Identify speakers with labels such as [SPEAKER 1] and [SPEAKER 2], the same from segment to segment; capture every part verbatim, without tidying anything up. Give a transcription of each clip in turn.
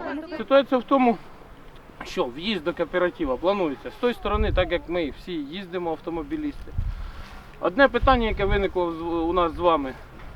[SPEAKER 1] Ситуація в тому, що в'їзд до кооперативу планується з тої сторони, так як ми всі їздимо автомобілісти. Одне питання, яке виникло у нас з вами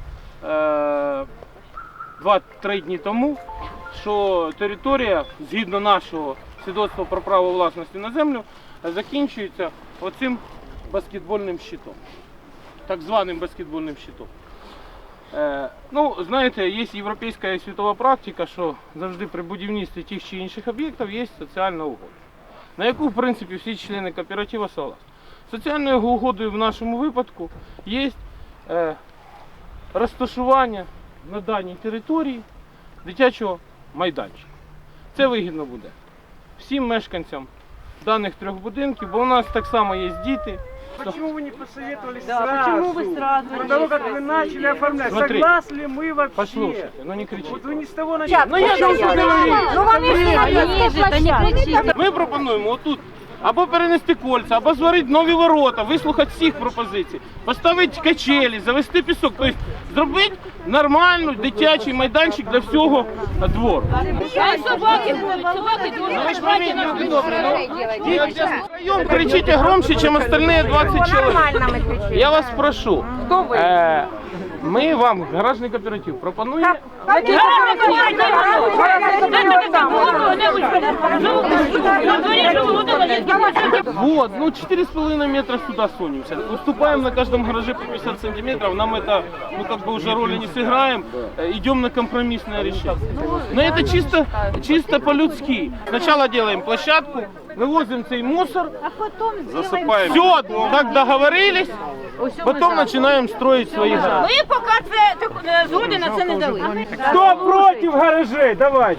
[SPEAKER 1] два-три дні тому, що територія, згідно нашого свідоцтва про право власності на землю, закінчується оцим баскетбольним щитом, так званим баскетбольним щитом. Е, ну, знаєте, є європейська і світова практика, що завжди при будівництві тих чи інших об'єктів є соціальна угода, на яку, в принципі, всі члени кооперативу согласні. Соціальною угодою в нашому випадку є е, розташування на даній території дитячого майданчика. Це вигідно буде всім мешканцям даних трьох будинків, бо у нас так само є діти.
[SPEAKER 2] Почему вы не посоветовали
[SPEAKER 3] Да,
[SPEAKER 2] сразу?
[SPEAKER 3] почему вы сразу
[SPEAKER 2] До
[SPEAKER 3] не
[SPEAKER 2] того, как вы начали оформлять,
[SPEAKER 1] Смотри,
[SPEAKER 2] согласны мы вообще?
[SPEAKER 1] Послушайте, ну не кричіть.
[SPEAKER 2] Вот вы не с того начали.
[SPEAKER 1] Ну я ж вам говорю.
[SPEAKER 3] Ну вони ж їжджуть, а не кричіть.
[SPEAKER 1] Ми пропонуємо отут або перенести кольця, або зварити нові ворота, вислухати всіх пропозицій, поставити качелі, завести пісок, тобто зробити нормальний дитячий майданчик для всього двору.
[SPEAKER 3] А собаки будуть, собаки
[SPEAKER 1] Ну ви ж пойміть, люди добрі, ну, вдвоєм кричите громче, ніж остальні двадцять чоловік. Я вас прошу, е, ми вам, гаражний кооператив, пропонуємо. Вот, ну четыре с половиной метра сюда сунемся. Уступаем на каждом гараже по пятьдесят сантиметров. Нам это, ну как бы уже роли не сыграем. Идем на компромиссное решение. Но это чисто, чисто по-людски. Сначала делаем площадку, вывозим цей мусор, засыпаем. Все, так договорились. Потом начинаем строить свои гаражи.
[SPEAKER 3] Ми поки це так, згоди на це не дали.
[SPEAKER 2] Кто против гаражей? Давайте.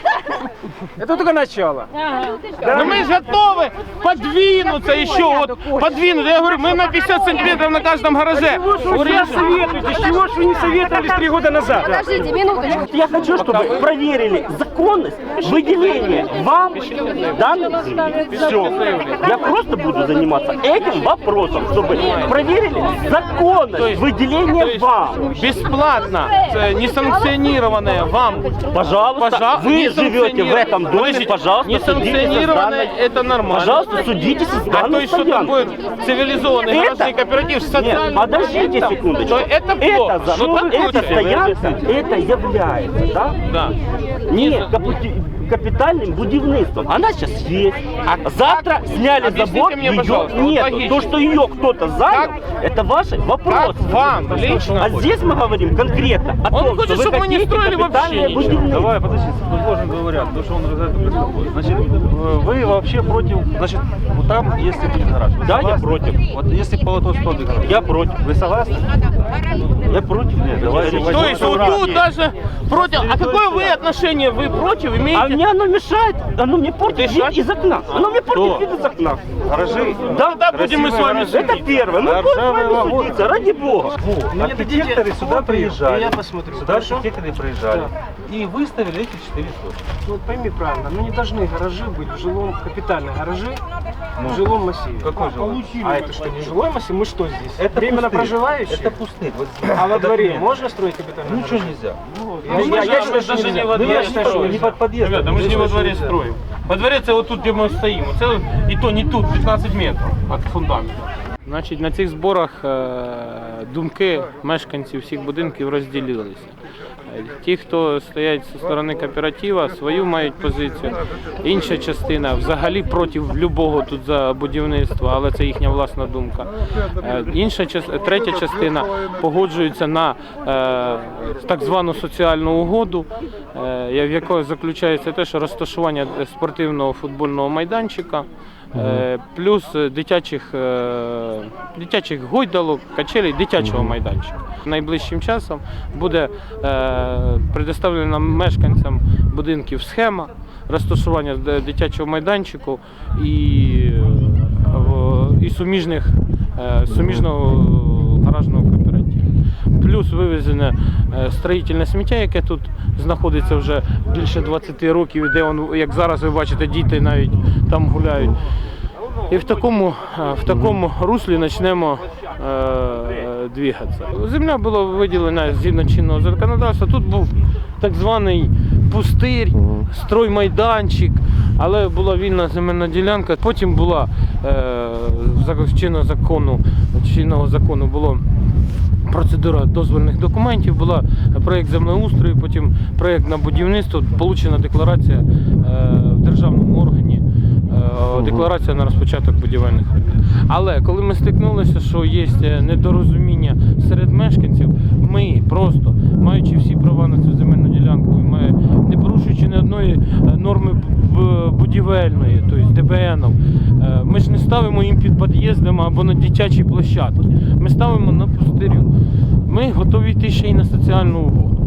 [SPEAKER 2] Это только начало.
[SPEAKER 1] Но мы же готовы подвинуться еще, вот, подвинуть. Я говорю, мы на пятьдесят сантиметров на каждом гараже.
[SPEAKER 2] Чего ж вы сейчас советуете? С чего ж вы не советовались три года назад?
[SPEAKER 3] Подождите, минуточку.
[SPEAKER 4] Я хочу, чтобы проверили законность выделения вам данных земли. Все. Я просто буду заниматься этим вопросом, чтобы проверили законность выделения вам.
[SPEAKER 1] Бесплатно, э, несанкционированное вам.
[SPEAKER 4] Пожалуйста,
[SPEAKER 1] Пожа-
[SPEAKER 4] вы живете в этом доме,
[SPEAKER 1] Подождите,
[SPEAKER 4] пожалуйста, судитесь с
[SPEAKER 1] несанкционированное
[SPEAKER 4] данной...
[SPEAKER 1] это нормально.
[SPEAKER 4] Пожалуйста, судитесь с
[SPEAKER 1] А то
[SPEAKER 4] данной
[SPEAKER 1] есть, что такое
[SPEAKER 4] стоянкой.
[SPEAKER 1] цивилизованный
[SPEAKER 4] Это-
[SPEAKER 1] гаражный кооператив с
[SPEAKER 4] Нет,
[SPEAKER 1] социальным
[SPEAKER 4] подождите
[SPEAKER 1] моментом,
[SPEAKER 4] секундочку.
[SPEAKER 1] то это плохо.
[SPEAKER 4] Это, за-
[SPEAKER 1] Ну, так
[SPEAKER 4] эта
[SPEAKER 1] лучше.
[SPEAKER 4] стоянка, это является, да?
[SPEAKER 1] Да.
[SPEAKER 4] Не
[SPEAKER 1] Не-
[SPEAKER 4] капу- капитальным будівництвом. Она сейчас есть.
[SPEAKER 1] А
[SPEAKER 4] Завтра
[SPEAKER 1] как-
[SPEAKER 4] сняли
[SPEAKER 1] объясните
[SPEAKER 4] забор,
[SPEAKER 1] мне,
[SPEAKER 4] ее
[SPEAKER 1] пожалуйста, вот
[SPEAKER 4] нет.
[SPEAKER 1] логично.
[SPEAKER 4] То, что ее кто-то занял,
[SPEAKER 1] Как-
[SPEAKER 4] это ваши
[SPEAKER 1] Как
[SPEAKER 4] вопросы.
[SPEAKER 1] вам лично?
[SPEAKER 4] А здесь мы говорим конкретно о
[SPEAKER 1] Он
[SPEAKER 4] том,
[SPEAKER 1] хочет,
[SPEAKER 4] что вы
[SPEAKER 1] чтобы мы не
[SPEAKER 4] хотите
[SPEAKER 1] строили вообще
[SPEAKER 4] капитальное
[SPEAKER 1] ничего.
[SPEAKER 4] будівництво.
[SPEAKER 5] Давай, подожди, сложно два варианта, потому что он за это беспокоит. Значит, э, вы вообще против, значит, вот там, если будет гараж, вы
[SPEAKER 4] Да, я
[SPEAKER 5] согласны?
[SPEAKER 4] против.
[SPEAKER 5] Вот если по тот сторону гараж,
[SPEAKER 4] Я против.
[SPEAKER 5] вы согласны?
[SPEAKER 4] Я против.
[SPEAKER 5] Нет, давай,
[SPEAKER 1] То есть вот тут даже против. А какое вы отношение вы против
[SPEAKER 4] А
[SPEAKER 1] имеете?
[SPEAKER 4] мне оно мешает, оно мне портит вид
[SPEAKER 1] Дышать?
[SPEAKER 4] из окна. Оно мне портит
[SPEAKER 5] Кто?
[SPEAKER 4] вид из окна.
[SPEAKER 5] гаражи.
[SPEAKER 4] Да,
[SPEAKER 1] Да, будем мы с вами
[SPEAKER 5] гаражи.
[SPEAKER 4] это первое. Мы
[SPEAKER 5] Да,
[SPEAKER 4] будем с
[SPEAKER 5] ржавые
[SPEAKER 4] вами
[SPEAKER 5] вагоны.
[SPEAKER 4] судиться, ради бога.
[SPEAKER 5] Архитекторы сюда приезжали.
[SPEAKER 2] Я посмотрю.
[SPEAKER 5] Сюда архитекторы приезжали. И выставили эти четыре точки.
[SPEAKER 2] Ну, вот пойми правильно, ну не должны гаражи быть в жилом, капитальные гаражи в жилом массиве.
[SPEAKER 5] Какой жилой?
[SPEAKER 2] А это что, не жилой массив? Мы что здесь?
[SPEAKER 5] Это
[SPEAKER 2] Временно
[SPEAKER 5] пустырь.
[SPEAKER 2] проживающие?
[SPEAKER 5] Это пустырь. Вот
[SPEAKER 2] А во дворе
[SPEAKER 5] документ.
[SPEAKER 2] можно строить капитальные
[SPEAKER 5] Ничего
[SPEAKER 2] гаражи?
[SPEAKER 5] нельзя.
[SPEAKER 2] Я,
[SPEAKER 1] Ну,
[SPEAKER 2] я,
[SPEAKER 1] мы
[SPEAKER 2] я,
[SPEAKER 1] же-
[SPEAKER 2] считаю,
[SPEAKER 1] мы
[SPEAKER 2] что
[SPEAKER 1] даже не
[SPEAKER 2] нельзя.
[SPEAKER 1] во
[SPEAKER 5] Ну,
[SPEAKER 1] дворе
[SPEAKER 5] я считаю,
[SPEAKER 1] строим.
[SPEAKER 5] не под подъездом.
[SPEAKER 1] Ребята, мы же не во дворе строим. Во дворе це отут, де ми стоїмо. Це і то не тут, п'ятнадцять метрів від фундаменту. Значить, на цих зборах е, думки мешканців всіх будинків розділилися. Е, Ті, хто стоять зі сторони кооператива, свою мають позицію. Інша частина взагалі проти любого тут за будівництва, але це їхня власна думка. Е, Інша частина, третя частина погоджується на е, так звану соціальну угоду, е, в якої заключається те, що розташування спортивного футбольного майданчика, е, плюс дитячих, е, дитячих гойдалок, качелей, дитячого майданчика. Найближчим часом буде е, предоставлена мешканцям будинків схема розташування д- дитячого майданчику і, е, в- і суміжних, е, суміжного гаражного кооперативу. Плюс вивезене е, строїтельне сміття, яке тут знаходиться вже більше двадцяти років, де он, як зараз ви бачите, діти навіть там гуляють. І в такому, е, в такому руслі почнемо е, двигатися. Земля була виділена згідно чинного законодавства. Тут був так званий пустир, строймайданчик, але була вільна земельна ділянка. Потім була е, чинного закону, чинного закону було процедура дозвольних документів, була проєкт землеустрою, потім проєкт на будівництво, получена декларація е, в державному органі, е, декларація на розпочаток будівельних робіт. Але коли ми стикнулися, що є недорозуміння серед мешканців, ми просто, маючи всі права на цю земельну ділянку, ми, не порушуючи ні одної норми будівельної, тобто ді бе ен, ми ж не ставимо їм під під'їздами або на дитячій площадці, ми ставимо на пустирю. Ми готові йти ще й на соціальну угоду.